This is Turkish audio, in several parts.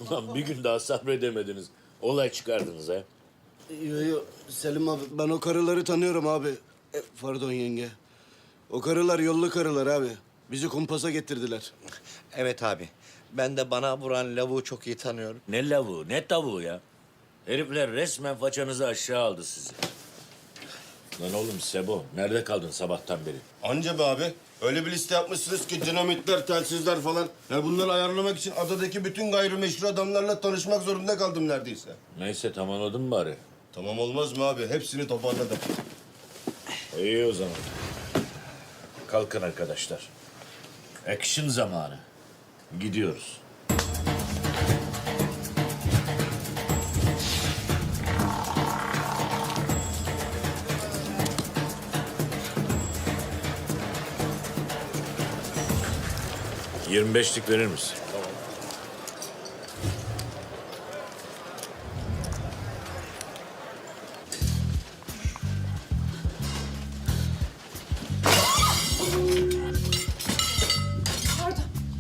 Ulan bir gün daha sabredemediniz. Olay çıkardınız ha. Yo, Selim abi ben o karıları tanıyorum abi. Pardon yenge. O karılar yollu karılar abi. Bizi kumpasa getirdiler. Evet abi. Ben de bana vuran lavuğu çok iyi tanıyorum. Ne lavuğu, ne tavuğu ya. Herifler resmen façanızı aşağı aldı sizi. Lan oğlum Sebo, nerede kaldın sabahtan beri? Anca be abi. Öyle bir liste yapmışsınız ki dinamitler, telsizler falan. Ya bunları ayarlamak için adadaki bütün gayrimeşru adamlarla tanışmak zorunda kaldım neredeyse. Neyse tamamladın mı bari? Tamam olmaz mı abi? Hepsini toparladım. İyi o zaman. Kalkın arkadaşlar. Action zamanı. Gidiyoruz. Tamam. 25'lik verir misin? Pardon.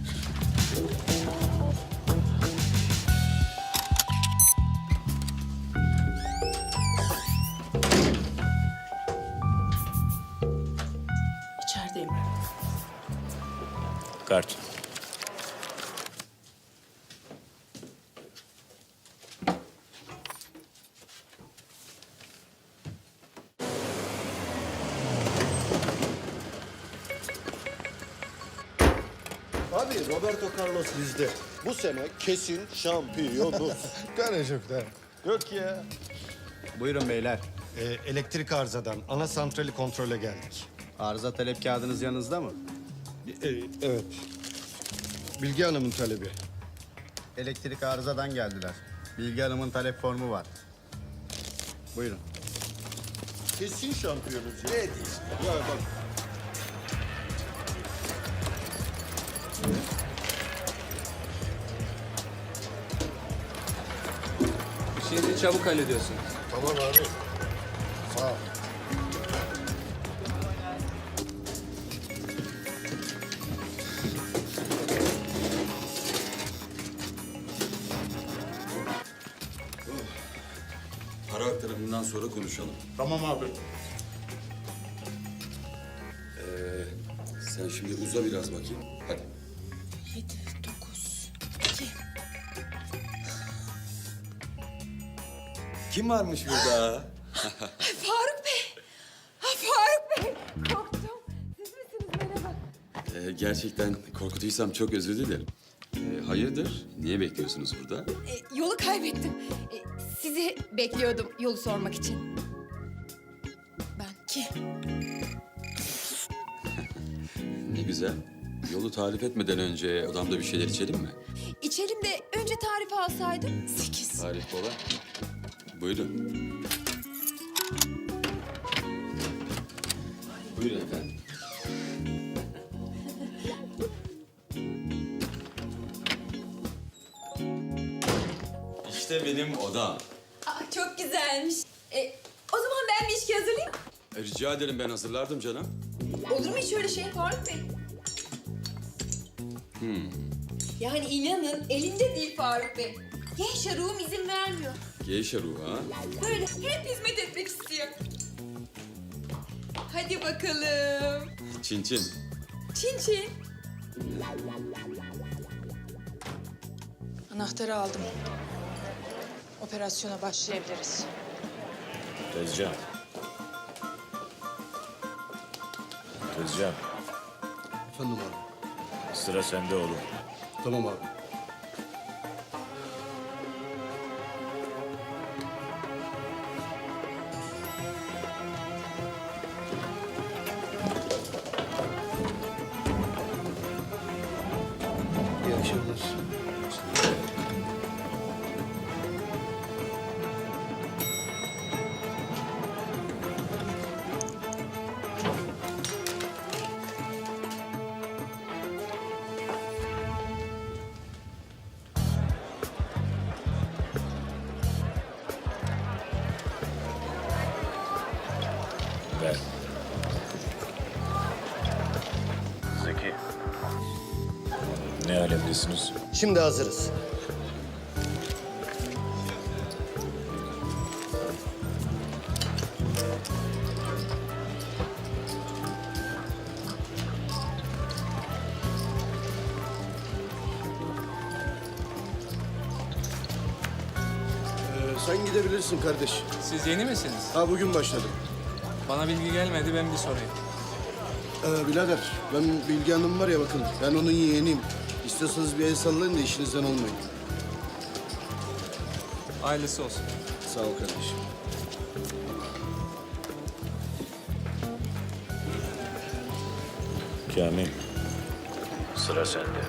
İçerideyim. Kart. Abi Roberto Carlos bizde. Bu sene kesin şampiyonuz. Garajok'ta. Yok ya. Buyurun beyler. Elektrik arızadan ana santrali kontrole geldik. Arıza talep kağıdınız yanınızda mı? Evet. Bilge Hanım'ın talebi. Elektrik arızadan geldiler. Bilgi Hanım'ın talep formu var. Buyurun. Kesin şampiyonuz ya. Ne diyorsun? Ya bak. İşinizi çabuk hallediyorsun. Tamam abi. Sağ ol. Para aktarımından sonra konuşalım. Tamam abi. Sen şimdi uza biraz bakayım. Hadi. 7, 9, 2. Kim varmış burada? Faruk Bey. Ha, Faruk Bey. Korktum. Siz misiniz? Merhaba. Gerçekten korkutuysam çok özür dilerim. Hayırdır? Niye bekliyorsunuz burada? Yolu kaybettim. Sizi bekliyordum yolu sormak için. Ben ki. Ne güzel. Yolu tarif etmeden önce odamda bir şeyler içelim mi? İçelim de önce tarifi alsaydım. 8. Tarif kolay. Buyurun. Buyurun efendim. İşte benim odam. Çok güzelmiş. O zaman ben bir içki hazırlayayım. Rica ederim, ben hazırlardım canım. Olur mu hiç öyle şey Faruk Bey? Yani inanın elimde değil Faruk Bey. Genç ruhum izin vermiyor. Geyşe ruhu ha. Böyle hep hizmet etmek istiyor. Hadi bakalım. Çin çin. Çin çin. Anahtarı aldım. Operasyona başlayabiliriz. Tezcan. Tezcan, Efendim abi. sıra sende oğlum. Tamam abi. İyi akşamlar. Ver. Zeki. Ne alemdesiniz? Şimdi hazırız. Sen gidebilirsin kardeş. Siz yeni misiniz? Ha bugün başladım. Bana bilgi gelmedi, ben bir sorayım. Birader ben Bilge Hanım var ya bakın ben onun yeğeniyim. İstiyorsanız bir el sallayın da işinizden olmayın. Hayırlısı olsun. Sağ ol kardeşim. Kamil, sıra sende.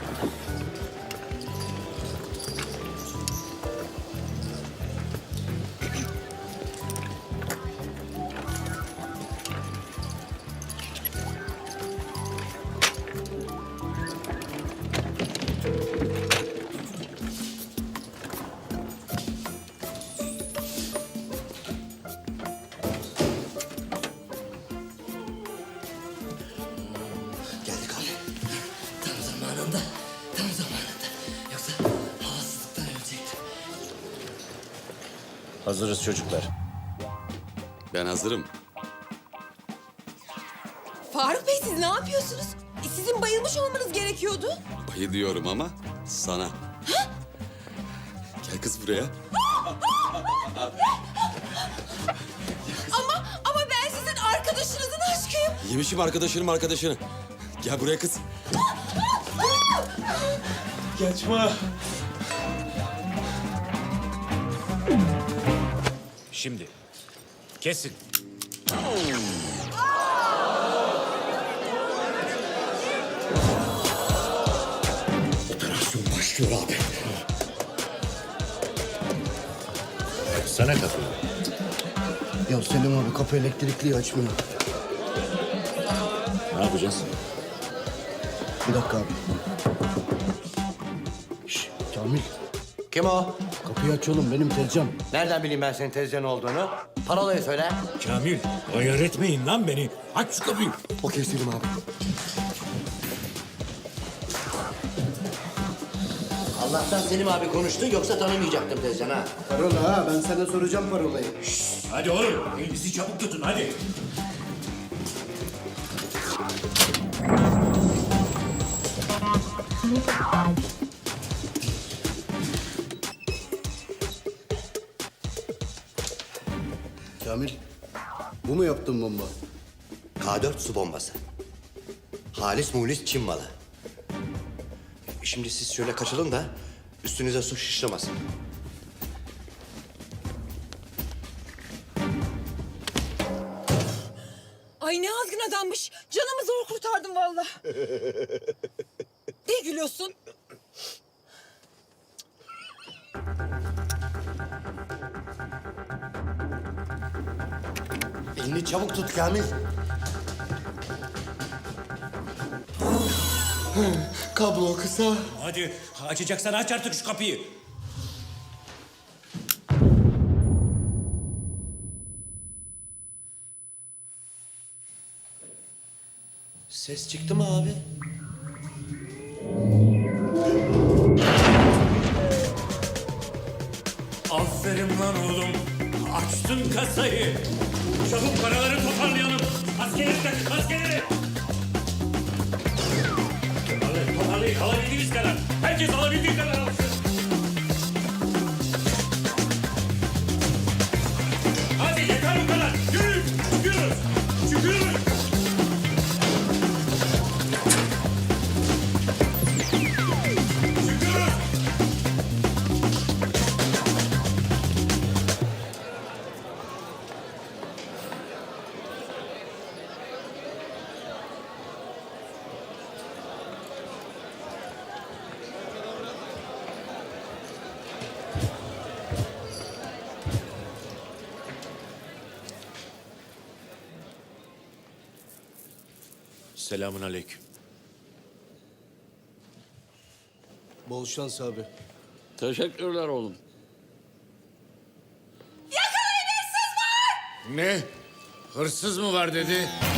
Geldik abi. Tam zamanında, tam zamanında. Yoksa havasızlıktan ölecektim. Hazırız çocuklar. Ben hazırım. Faruk Bey siz ne yapıyorsunuz? Sizin bayılmış olmanız gerekiyordu. Bayı diyorum ama sana. Gel kız buraya. Ama ben sizin arkadaşınızın aşkıyım. Yemişim arkadaşını. Gel buraya kız. Şimdi kesin. Operasyon başlıyor abi. Sana kapıyı. Ya Selim abi kapı elektrikliyi açmıyor. Ne yapacağız? Bir dakika abi. Şş, Kamil Kim o? kapıyı aç oğlum benim tezcan. Nereden bileyim ben senin tezcan olduğunu? Parolayı söyle. Kamil, ayar etmeyin lan beni. Aç şu kapıyı. Okey Selim abi. Allah'tan Selim abi konuştu yoksa tanımayacaktım tezcan ha. Parola ha ben sana soracağım parolayı. Hadi oğlum, elinizi çabuk tutun hadi. Kamil bu mu yaptın bomba? K4 su bombası. Halis mulis Çin malı. Şimdi siz şöyle kaçalım da üstünüze su şişlemesin. Ay ne azgın adammış. Canımı zor kurtardım vallahi. Ne gülüyorsun? Elini çabuk tut Kamil. Kablo kısa. Hadi, açacaksan aç artık şu kapıyı. Ses çıktı mı abi? Aferin lan oğlum. Açtın kasayı. Çabuk paraları toparlayalım. Askerleri takın, askerleri. Toparlayın, alabildiğiniz kadar. Herkes alabildiği kadar alsın. Hadi yeter bu kadar. Yürüyün, çıkıyoruz. Çıkıyoruz. Çıkıyoruz. Selamun aleyküm. Bol şans abi. Teşekkürler oğlum. Ne? Hırsız mı var dedi?